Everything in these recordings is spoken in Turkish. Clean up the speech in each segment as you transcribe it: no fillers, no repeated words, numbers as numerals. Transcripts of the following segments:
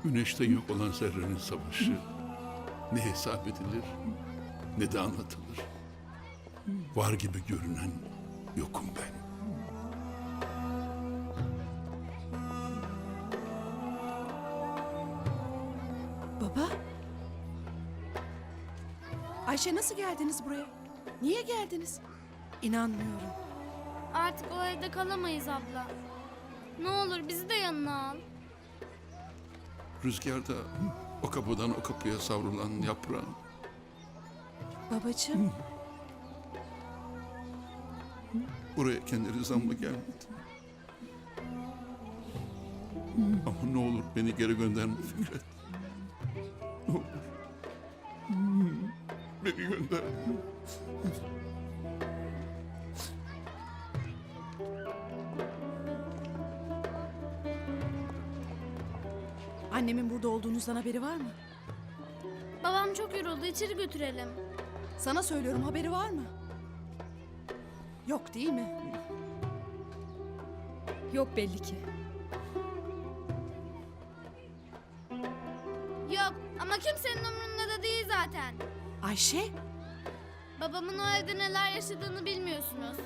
Güneşten yok olan zerrenin savaşı ne hesap edilir ne de anlatılır. Var gibi görünen yokum ben. Baba? Ayşe nasıl geldiniz buraya? Niye geldiniz? İnanmıyorum. Artık o evde kalamayız abla. Ne olur bizi de yanına al. Rüzgarda o kapıdan o kapıya savrulan yaprağın Babacığım, buraya kendi rızamla gelmedi. Ama ne olur beni geri gönderme Fikret. Ne olur. Beni gönder. annemin burada olduğunuzdan haberi var mı? Babam çok yoruldu, içeri götürelim. Sana söylüyorum, haberi var mı? Yok değil mi? Yok belli ki. Yok ama kimsenin umurunda da değil zaten. Ayşe? Babamın o evde neler yaşadığını bilmiyorsunuz.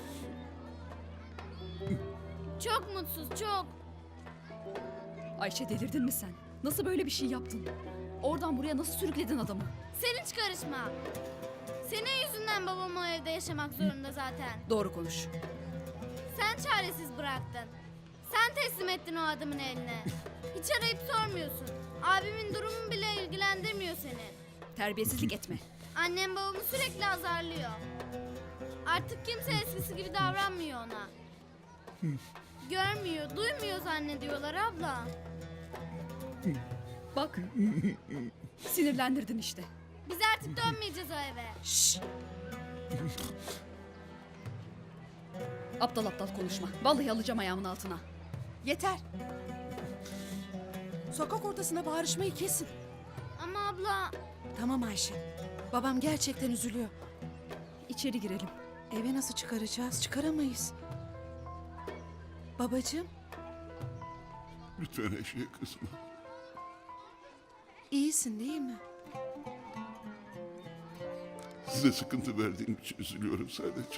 Çok mutsuz, çok. Ayşe delirdin mi sen? Nasıl böyle bir şey yaptın? Oradan buraya nasıl sürükledin adamı? Sen hiç karışma. Senin yüzünden babam o evde yaşamak zorunda zaten. Doğru konuş. Sen çaresiz bıraktın. Sen teslim ettin o adamın eline. Hiç arayıp sormuyorsun. Abimin durumu bile ilgilendirmiyor seni. Terbiyesizlik etme. Annem babamı sürekli azarlıyor. Artık kimse eskisi gibi davranmıyor ona. Görmüyor, duymuyor zannediyorlar abla. Bak. Sinirlendirdin işte. Biz artık dönmeyeceğiz o eve. Şşş! Aptal aptal konuşma. Vallahi alacağım ayağımın altına. Yeter! Sokak ortasına bağırışmayı kesin. Ama abla... Tamam Ayşe. Babam gerçekten üzülüyor. İçeri girelim. Eve nasıl çıkaracağız? Çıkaramayız. Babacığım, Lütfen Ayşe'ye kızma. iyisin değil mi? Size sıkıntı verdiğim için üzülüyorum sadece.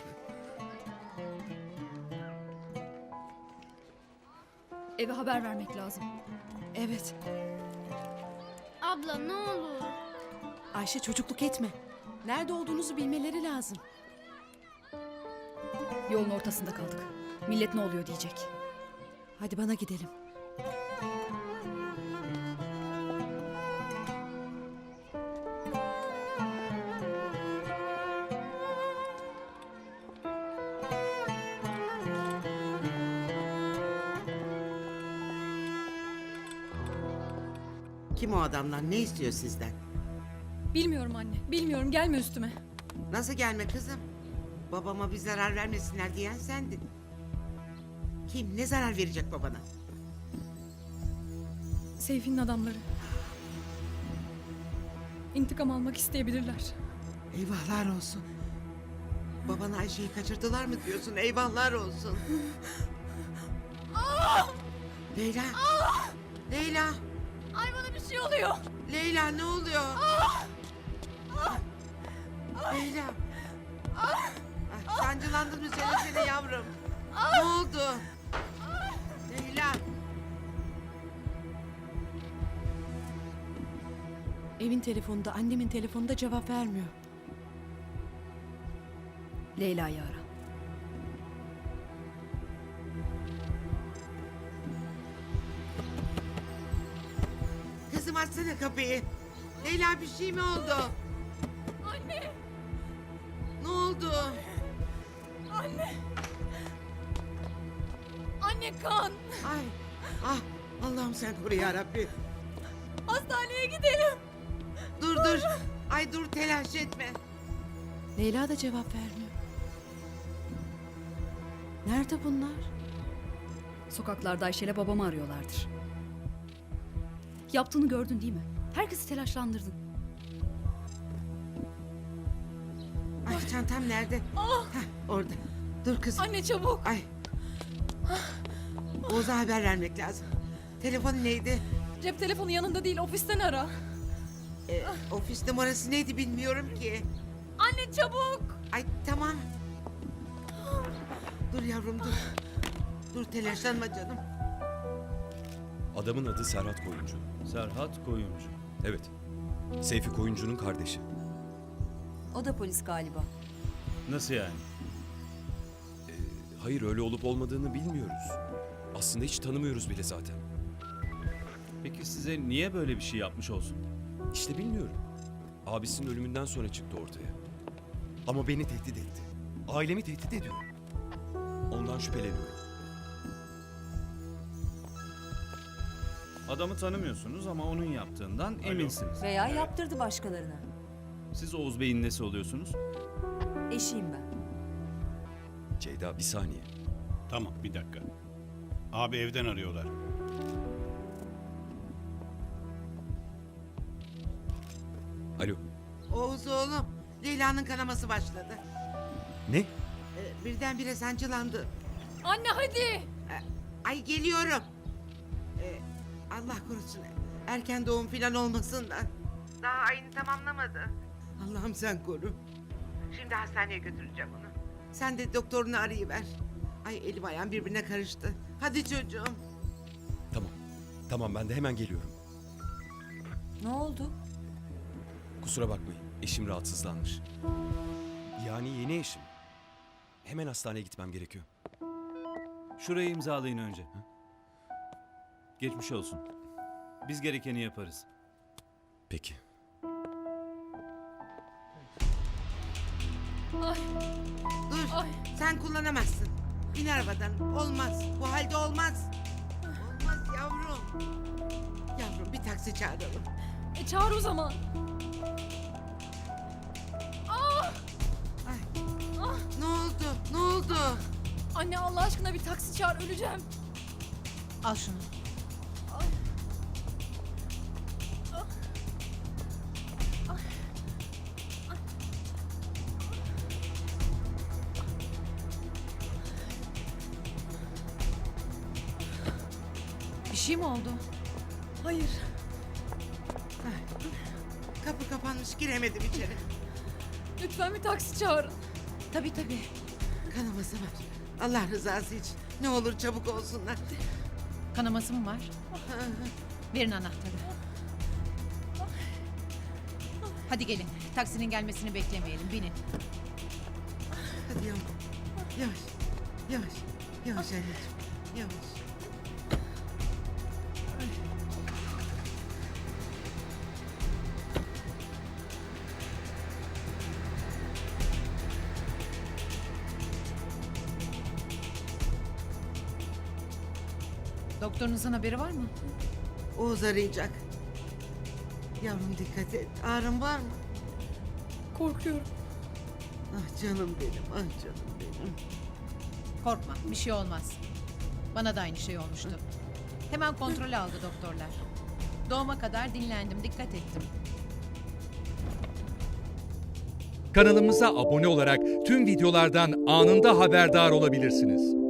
Eve haber vermek lazım. Evet. Abla ne olur. Ayşe çocukluk etme. Nerede olduğunuzu bilmeleri lazım. Yolun ortasında kaldık. Millet ne oluyor diyecek. Hadi bana gidelim. Kim o adamlar? Ne istiyor sizden? Bilmiyorum anne. Bilmiyorum. Gelme üstüme. Nasıl gelme kızım? Babama bir zarar vermesinler diyen sendin. Kim? Ne zarar verecek babana? Seyfi'nin adamları. İntikam almak isteyebilirler. Eyvahlar olsun. Babana Ayşe'yi kaçırdılar mı diyorsun? Eyvahlar olsun. Leyla. Leyla. Ay bana bir şey oluyor. Leyla ne oluyor? Leyla. Sancılandın mı söylesene yavrum. Ne oldu? Leyla. Evin telefonunda, annemin telefonunda cevap vermiyor. Leyla'yı ara. Kızım açsana kapıyı. Leyla bir şey mi oldu? Anne. Ne oldu? Anne. Anne kan. Ay. Ah. Allah'ım sen koru ya Rabbi. Hastaneye gidelim. Dur. Ay dur telaş etme. Leyla da cevap vermiyor. Nerede bunlar? Sokaklarda Ayşe'yle babamı arıyorlardır. Yaptığını gördün değil mi? Herkesi telaşlandırdın. Ay çantam nerede? Heh, orada. Dur kızım. Anne çabuk. Ay. Oğuz'a haber vermek lazım. Telefonu neydi? Cep telefonu yanında değil, ofisten ara. Ofis numarası neydi bilmiyorum ki. Anne çabuk. Ay tamam. Dur yavrum dur. Dur telaşlanma canım. Adamın adı Serhat Koyuncu. Serhat Koyuncu. Evet. Seyfi Koyuncu'nun kardeşi. O da polis galiba. Nasıl yani? Hayır, öyle olup olmadığını bilmiyoruz. Aslında hiç tanımıyoruz bile zaten. Peki size niye böyle bir şey yapmış olsun? İşte bilmiyorum. Abisinin ölümünden sonra çıktı ortaya. Ama beni tehdit etti. Ailemi tehdit ediyor. Ondan şüpheleniyorum. Adamı tanımıyorsunuz ama onun yaptığından eminsiniz. Veya yaptırdı başkalarına. Siz Oğuz Bey'in nesi oluyorsunuz? Eşiyim ben. Ceyda, bir saniye. Tamam, bir dakika. Abi evden arıyorlar. Alo. Oğuz oğlum. Leyla'nın kanaması başladı. Ne? Birdenbire sancılandı. Anne hadi. Ay geliyorum. Allah korusun. Erken doğum falan olmasın da. Daha ayını tamamlamadı. Allah'ım sen koru. Şimdi hastaneye götüreceğim onu. Sen de doktorunu arayıver. Ay elim ayağım birbirine karıştı. Hadi çocuğum. Tamam. Tamam, ben de hemen geliyorum. Ne oldu? Kusura bakmayın. Eşim rahatsızlanmış. Yani yeni eşim. Hemen hastaneye gitmem gerekiyor. Şurayı imzalayın önce. Geçmiş olsun. Biz gerekeni yaparız. Peki. Dur. Sen kullanamazsın. İn arabadan. Olmaz. Bu halde olmaz. Olmaz yavrum. Yavrum bir taksi çağıralım. Çağır o zaman. Ne oldu? Ne oldu? Anne Allah aşkına bir taksi çağır, öleceğim. Al şunu. Bir şey mi oldu? Hayır. Kapı kapanmış giremedim içeri. Lütfen bir taksi çağırın. Tabii. Kanaması var. Allah rızası için. Ne olur çabuk olsunlar. Kanaması mı var? Verin anahtarı. Hadi gelin. Taksinin gelmesini beklemeyelim. Binin. Hadi yavrum. Yavaş. Yavaş. Yavaş anneciğim. Yavaş. Doktorunuzun haberi var mı? Oğuz arayacak. Yavrum dikkat et. Ağrın var mı? Korkuyorum. Ah canım benim. Ah canım benim. Korkma. Bir şey olmaz. Bana da aynı şey olmuştu. Hemen kontrol aldı doktorlar. Doğuma kadar dinlendim. Dikkat ettim. Kanalımıza abone olarak tüm videolardan anında haberdar olabilirsiniz.